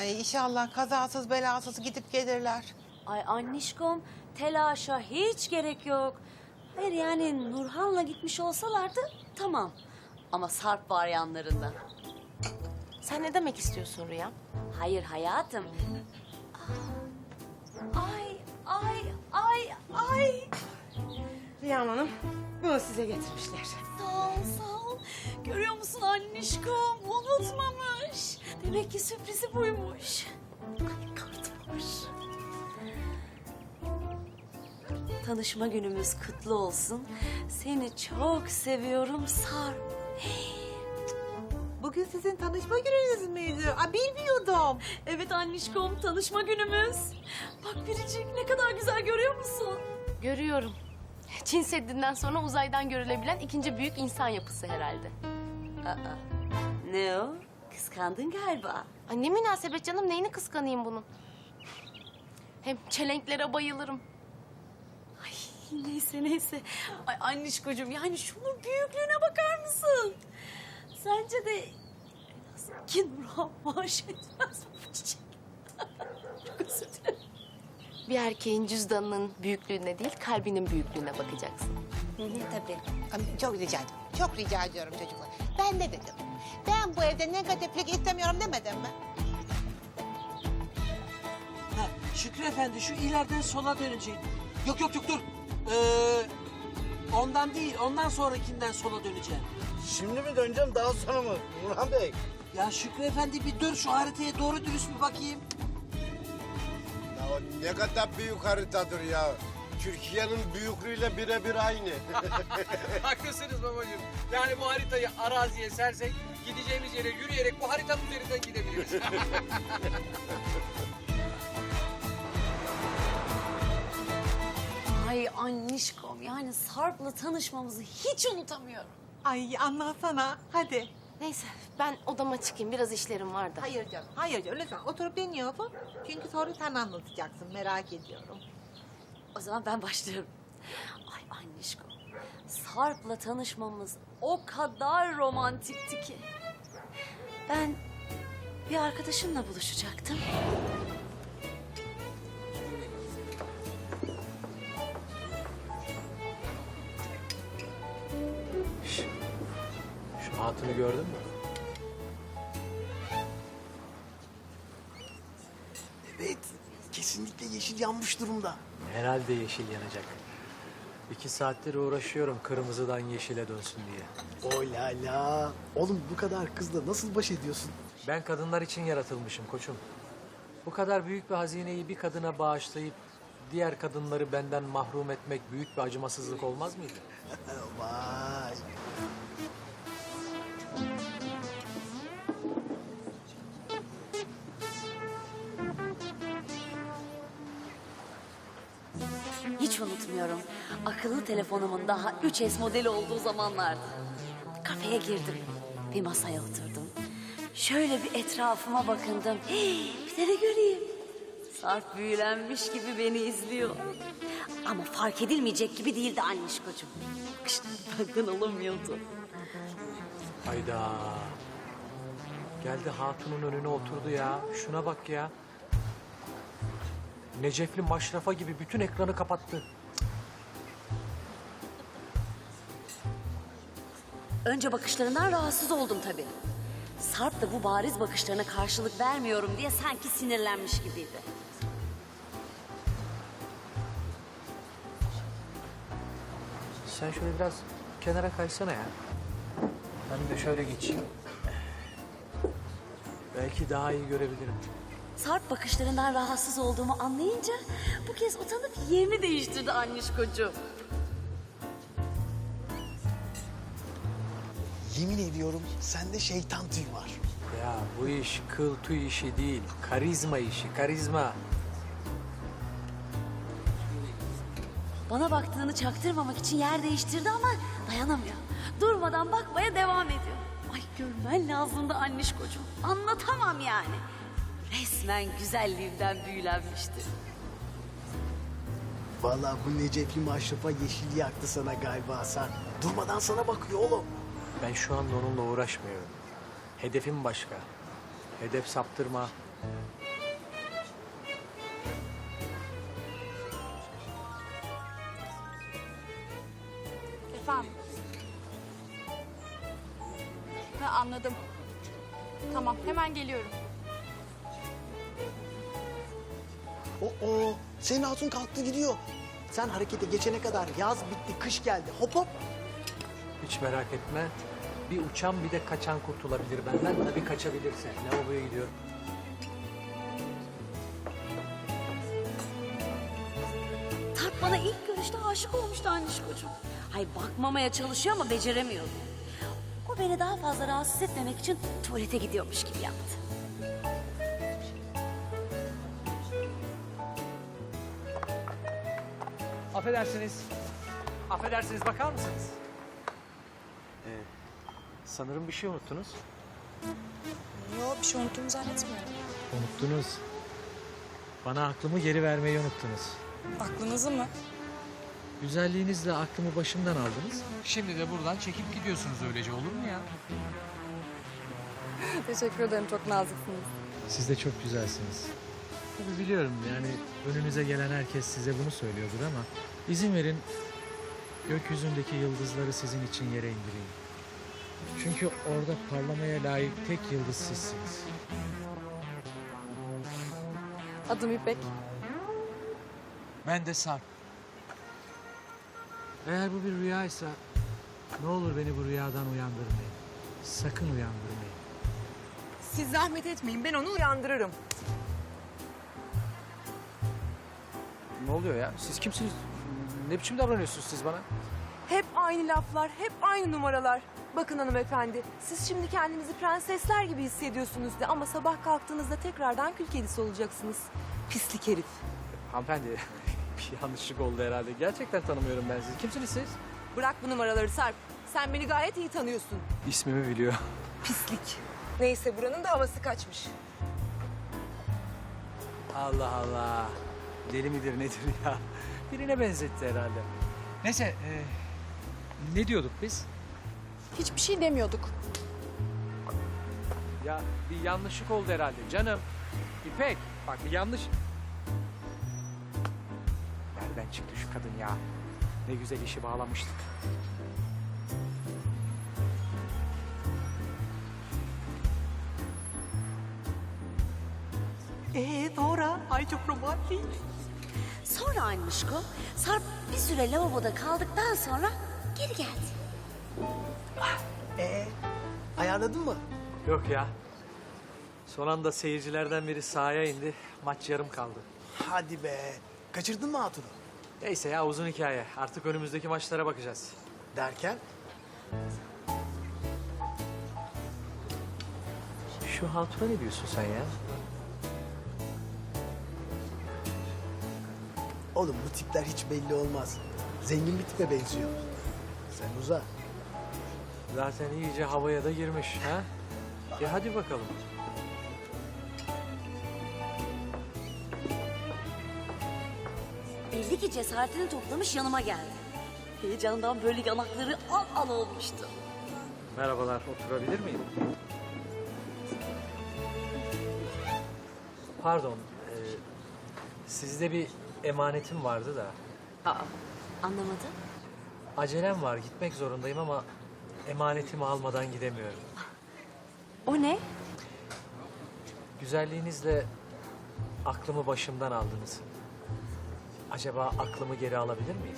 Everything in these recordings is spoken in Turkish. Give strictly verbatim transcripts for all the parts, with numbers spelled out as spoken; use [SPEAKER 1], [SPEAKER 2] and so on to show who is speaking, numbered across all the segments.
[SPEAKER 1] Ay inşallah kazasız belasız gidip gelirler.
[SPEAKER 2] Ay annişkom, telaşa hiç gerek yok. Hayır yani Nurhan'la gitmiş olsalardı tamam. Ama Sarp var yanlarında.
[SPEAKER 3] Sen ne demek istiyorsun Rüya?
[SPEAKER 2] Hayır hayatım. Ay, ay, ay, ay.
[SPEAKER 3] Rüyam Hanım, bunu size getirmişler.
[SPEAKER 2] Sağ ol, sağ ol. Görüyor musun annişkom? Unutmamış. Demek ki sürprizi buymuş. Ay kart var. Tanışma günümüz kutlu olsun. Seni çok seviyorum Sarp.
[SPEAKER 1] Bugün sizin tanışma gününüz müydü? Aa, bilmiyordum.
[SPEAKER 2] Evet annişkom, tanışma günümüz. Bak Biricik ne kadar güzel görüyor musun?
[SPEAKER 3] Görüyorum. Çin Seddi'nden sonra uzaydan görülebilen ikinci büyük insan yapısı herhalde.
[SPEAKER 2] Aa, ne o? Kıskandın galiba.
[SPEAKER 3] Ay ne münasebet canım, neyini kıskanayım bunun? Hem çelenklere bayılırım.
[SPEAKER 2] Ay neyse neyse. Ay annişkocuğum yani şunun büyüklüğüne bakar mısın? Sence de en az ki Nurhan maaş etmez bu çiçek. Çok özür dilerim.
[SPEAKER 3] Bir erkeğin cüzdanının büyüklüğüne değil, kalbinin büyüklüğüne bakacaksın.
[SPEAKER 2] Hı hı, tabii.
[SPEAKER 1] Ay, Çok rica ediyorum. Çok rica ediyorum çocuklar. Ben ne dedim? Ben bu evde negatiflik istemiyorum demedim mi?
[SPEAKER 4] Ha, Şükrü Efendi şu ileriden sola dönecek. Yok yok yok dur. Ee, ondan değil ondan sonrakinden sola döneceğim.
[SPEAKER 5] Şimdi mi döneceğim daha sonra mı Nurhan Bey?
[SPEAKER 4] Ya Şükrü Efendi bir dur şu haritaya doğru dürüst bir bakayım.
[SPEAKER 5] Ya o ne kadar büyük haritadır ya. Türkiye'nin büyüklüğüyle birebir aynı.
[SPEAKER 6] Haklısınız babacığım. Yani bu haritayı araziye sersek gideceğimiz yere yürüyerek bu haritanın üzerinden gidebiliriz.
[SPEAKER 2] Ay annişkom yani Sarp'la tanışmamızı hiç unutamıyorum.
[SPEAKER 1] Ay anlatsana. Hadi.
[SPEAKER 3] Neyse, ben odama çıkayım. Biraz işlerim var da.
[SPEAKER 1] Hayır canım. Hayır canım. Lütfen oturup dinliyorsun. Çünkü sonra sen anlatacaksın. Merak ediyorum.
[SPEAKER 2] O zaman ben başlıyorum. Ay annişkom, Sarp'la tanışmamız o kadar romantikti ki. Ben bir arkadaşımla buluşacaktım.
[SPEAKER 7] Şu hatunu gördün mü?
[SPEAKER 8] Evet, kesinlikle yeşil yanmış durumda.
[SPEAKER 7] Herhalde yeşil yanacak. İki saattir uğraşıyorum kırmızıdan yeşile dönsün diye.
[SPEAKER 8] O la la. Oğlum bu kadar kızla nasıl baş ediyorsun?
[SPEAKER 7] Ben kadınlar için yaratılmışım koçum. Bu kadar büyük bir hazineyi bir kadına bağışlayıp diğer kadınları benden mahrum etmek büyük bir acımasızlık olmaz mıydı?
[SPEAKER 8] Vay.
[SPEAKER 2] Hiç unutmuyorum. Akıllı telefonumun daha üç S modeli olduğu zamanlardı. Kafeye girdim. Bir masaya oturdum. Şöyle bir etrafıma bakındım. Hii, bir de ne göreyim? Sarp büyülenmiş gibi beni izliyor. Ama fark edilmeyecek gibi değildi annişkocuğum. Bakışları benden alamıyordu.
[SPEAKER 7] Hayda. Geldi hatunun önüne oturdu ya. Şuna bak ya. Necefli maşrafa gibi bütün ekranı kapattı.
[SPEAKER 2] Önce bakışlarından rahatsız oldum tabii. Sarp da bu bariz bakışlarına karşılık vermiyorum diye sanki sinirlenmiş gibiydi.
[SPEAKER 7] Sen şöyle biraz kenara kaysana ya. Ben de şöyle geçeyim. Belki daha iyi görebilirim.
[SPEAKER 2] Sarp bakışlarından rahatsız olduğumu anlayınca bu kez utanıp yerini değiştirdi annişkocuğum.
[SPEAKER 8] Yemin ediyorum sende şeytan tüy var.
[SPEAKER 7] Ya bu iş kıl tüy işi değil, karizma işi, karizma.
[SPEAKER 2] Bana baktığını çaktırmamak için yer değiştirdi ama dayanamıyor. Durmadan bakmaya devam ediyor. Ay görmen lazımdı annişkocuğum. Anlatamam yani. Resmen güzelliğimden büyülenmişti.
[SPEAKER 8] Vallahi bu Necefli maşrafa yeşil yaktı sana galiba Hasan. Durmadan sana bakıyor oğlum.
[SPEAKER 7] Ben şu anda onunla uğraşmıyorum. Hedefim başka. Hedef saptırma,
[SPEAKER 9] Efendim? Ha, anladım. Tamam, hemen geliyorum.
[SPEAKER 8] O, o, senin hatun kalktı gidiyor. Sen harekete geçene kadar yaz bitti, kış geldi. Hop hop.
[SPEAKER 7] Hiç merak etme. Bir uçan bir de kaçan kurtulabilir benden. Tabii kaçabilirse. Lavaboya gidiyorum.
[SPEAKER 2] Sarp bana ilk görüşte aşık olmuştu Anişkocuğum. Ay bakmamaya çalışıyor ama beceremiyor. O beni daha fazla rahatsız etmemek için tuvalete gidiyormuş gibi yaptı.
[SPEAKER 7] Affedersiniz. Affedersiniz, bakar mısınız? Ee, sanırım bir şey unuttunuz.
[SPEAKER 9] Yok, bir şey unuttuğumu zannetmiyorum.
[SPEAKER 7] Unuttunuz. Bana aklımı geri vermeyi unuttunuz.
[SPEAKER 9] Aklınızı mı?
[SPEAKER 7] Güzelliğinizle aklımı başımdan aldınız. Şimdi de buradan çekip gidiyorsunuz, öylece olur mu ya?
[SPEAKER 9] Teşekkür ederim, çok naziksiniz.
[SPEAKER 7] Siz de çok güzelsiniz. Tabii biliyorum, yani önünüze gelen herkes size bunu söylüyordur ama izin verin gökyüzündeki yıldızları sizin için yere indireyim. Çünkü orada parlamaya layık tek yıldız sizsiniz.
[SPEAKER 9] Adım İpek.
[SPEAKER 7] Ben de Sarp. Eğer bu bir rüyaysa ne olur beni bu rüyadan uyandırmayın. Sakın uyandırmayın.
[SPEAKER 10] Siz zahmet etmeyin, ben onu uyandırırım.
[SPEAKER 7] Ne oluyor ya? Siz kimsiniz? Ne biçim davranıyorsunuz siz bana?
[SPEAKER 10] Hep aynı laflar, hep aynı numaralar. Bakın hanımefendi, siz şimdi kendinizi prensesler gibi hissediyorsunuz de ama sabah kalktığınızda tekrardan kül kedisi olacaksınız. Pislik herif.
[SPEAKER 7] Hanımefendi bir yanlışlık oldu herhalde. Gerçekten tanımıyorum ben sizi. Kimsiniz siz?
[SPEAKER 10] Bırak bu numaraları Sarp. Sen beni gayet iyi tanıyorsun.
[SPEAKER 7] İsmimi biliyor.
[SPEAKER 10] Pislik. Neyse buranın da havası kaçmış.
[SPEAKER 7] Allah Allah. Deli midir nedir ya? Birine benzetti herhalde. Neyse. e, ne diyorduk biz?
[SPEAKER 9] Hiçbir şey demiyorduk.
[SPEAKER 7] Ya bir yanlışlık oldu herhalde canım. İpek bak bir yanlış. Nereden çıktı şu kadın ya? Ne güzel işi bağlamıştık.
[SPEAKER 10] Ee sonra? Ay çok romantik.
[SPEAKER 2] Sonra Anişko, Sarp bir süre lavaboda kaldıktan sonra geri geldi.
[SPEAKER 8] Ee, ayarladın mı?
[SPEAKER 7] Yok ya. Son anda seyircilerden biri sahaya indi. Maç yarım kaldı.
[SPEAKER 8] Hadi be. Kaçırdın mı hatunu?
[SPEAKER 7] Neyse ya uzun hikaye. Artık önümüzdeki maçlara bakacağız.
[SPEAKER 8] Derken?
[SPEAKER 7] Şu hatuna ne diyorsun sen ya?
[SPEAKER 8] Oğlum bu tipler hiç belli olmaz. Zengin bir tipe benziyor. Sen uza.
[SPEAKER 7] Zaten iyice havaya da girmiş ha? E hadi bakalım.
[SPEAKER 2] Belli ki cesaretini toplamış yanıma geldi. Heyecandan böyle yanakları al al olmuştu.
[SPEAKER 7] Merhabalar, oturabilir miyim? Pardon, e, sizde bir emanetim vardı da.
[SPEAKER 2] Aa, anlamadım.
[SPEAKER 7] Acelem var, gitmek zorundayım ama emanetimi almadan gidemiyorum.
[SPEAKER 2] O ne?
[SPEAKER 7] Güzelliğinizle aklımı başımdan aldınız. Acaba aklımı geri alabilir miyim?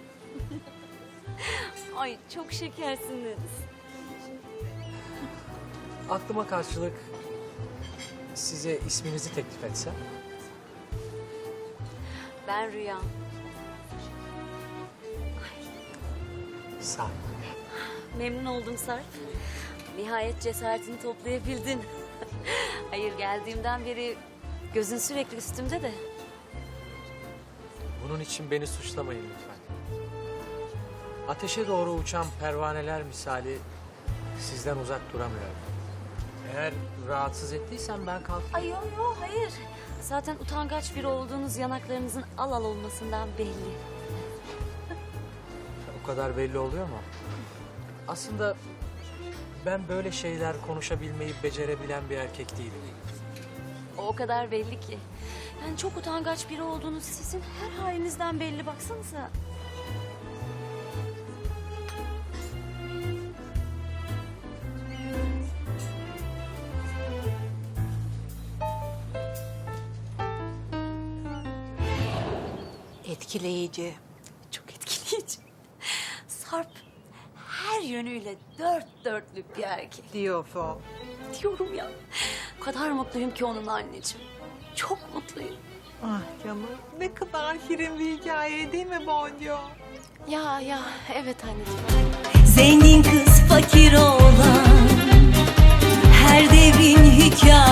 [SPEAKER 2] Ay çok şekersiniz.
[SPEAKER 7] Aklıma karşılık size isminizi teklif etsem.
[SPEAKER 2] Ben Rüya.
[SPEAKER 7] Sarp.
[SPEAKER 2] Memnun oldum Sarp. Nihayet cesaretini toplayabildin. Hayır geldiğimden beri gözün sürekli üstümde de.
[SPEAKER 7] Bunun için beni suçlamayın lütfen. Ateşe doğru uçan pervaneler misali sizden uzak duramıyorum. Eğer rahatsız ettiysem ben kalkayım.
[SPEAKER 2] Ay yok yok hayır. Zaten utangaç biri olduğunuz yanaklarınızın al al olmasından belli.
[SPEAKER 7] O kadar belli oluyor mu? Aslında ben böyle şeyler konuşabilmeyi becerebilen bir erkek değilim.
[SPEAKER 2] O o kadar belli ki. Yani çok utangaç biri olduğunuz sizin her halinizden belli, baksanıza.
[SPEAKER 1] Etkileyici.
[SPEAKER 2] Çok etkileyici. Sarp her yönüyle dört dörtlük bir erkek.
[SPEAKER 1] Diyorsun.
[SPEAKER 2] Diyorum ya. O kadar mutluyum ki onunla anneciğim. Çok mutluyum.
[SPEAKER 1] Ah canım, ne kadar şirin bir hikaye değil mi Boncu?
[SPEAKER 3] Ya ya evet anneciğim.
[SPEAKER 11] Zengin kız fakir oğlan, her devrin hikayesi.